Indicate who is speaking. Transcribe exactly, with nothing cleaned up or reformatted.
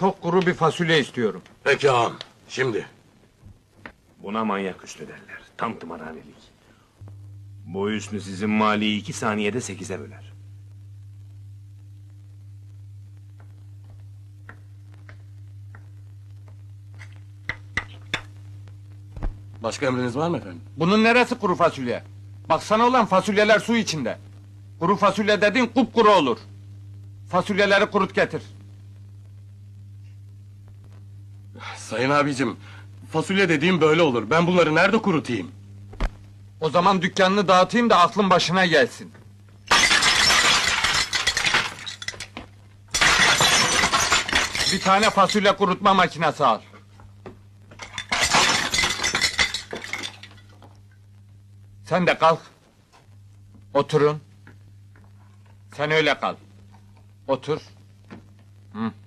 Speaker 1: Çok kuru bir fasulye istiyorum.
Speaker 2: Peki ağam, şimdi.
Speaker 3: Buna manyak üstü derler. Tam tımarhanelik. Bu üstü sizin maliyi iki saniyede sekize böler.
Speaker 2: Başka emriniz var mı efendim?
Speaker 1: Bunun neresi kuru fasulye? Baksana ulan, fasulyeler su içinde. Kuru fasulye dediğin kupkuru olur. Fasulyeleri kurut getir.
Speaker 2: Sayın abicim, fasulye dediğim böyle olur. Ben bunları nerede kurutayım?
Speaker 1: O zaman dükkanını dağıtayım da aklın başına gelsin. Bir tane fasulye kurutma makinesi al. Sen de kalk. Oturun. Sen öyle kal. Otur. Hı.